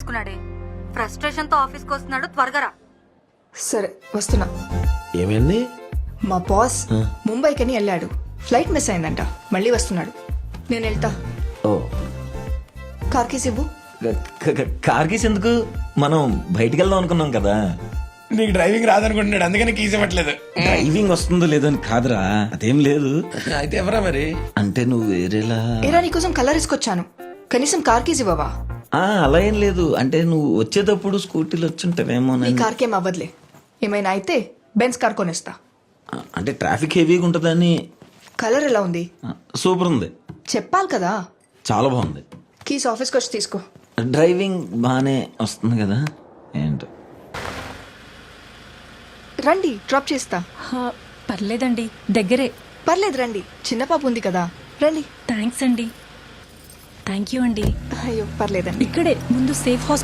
చేసుకున్నాడే. Frustration తో ఆఫీస్కి వస్తున్నాడు, త్వరగా రా. సరే వస్తున్నా. ఏమైంది? మా బాస్ ముంబైకని వెళ్ళాడు. ఫ్లైట్ మిస్ అయిందంట, మళ్ళీ వస్తున్నాడు. నేను వెళ్తా. ఓ కార్ కీస్ ఇవ్వు. కార్ కీస్ ఎందుకు? మనం బయటికి వెళ్దాం అనుకున్నాం కదా. నీకు డ్రైవింగ్ రాదనుకుంటున్నాడు, అందుకని కీస్ ఇవ్వట్లేదు. డ్రైవింగ్ వస్తుందో లేదో అని కాదురా, అదేం లేదు. అయితే ఎవరా మరి? అంటే నువ్వు వేరేలా. ఏరా నీకోసం కలర్ ఇసుకొచ్చాను, కనీసం కార్ కీస్ ఇవ్వవా? అలా ఏం లేదు, అంటే నువ్వు వచ్చేటప్పుడు స్కూటీలో వచ్చుంటావేమో. నీ కార్కేం అవ్వదులే, ఏమైనా అయితే బెన్స్ కార్ కొనిస్తా. అంటే ట్రాఫిక్ హెవీగా ఉంటుందని. కలర్ ఎలా ఉంది? సూపర్ ఉంది. చెప్పాలి కదా. చాలా బాగుంది. కీస్ ఆఫీస్కి వచ్చి తీసుకో. డ్రైవింగ్ బాగానే వస్తుంది కదా. ఏంటో రండి, డ్రాప్ చేస్తా. పర్లేదండి, దగ్గరే. పర్లేదు రండి, చిన్న పాప ఉంది కదా. రండి. థ్యాంక్స్ అండి. థ్యాంక్ యూ అండి. అయ్యో పర్లేదండి. ఇక్కడే ముందు సేఫ్ హాస్పిటల్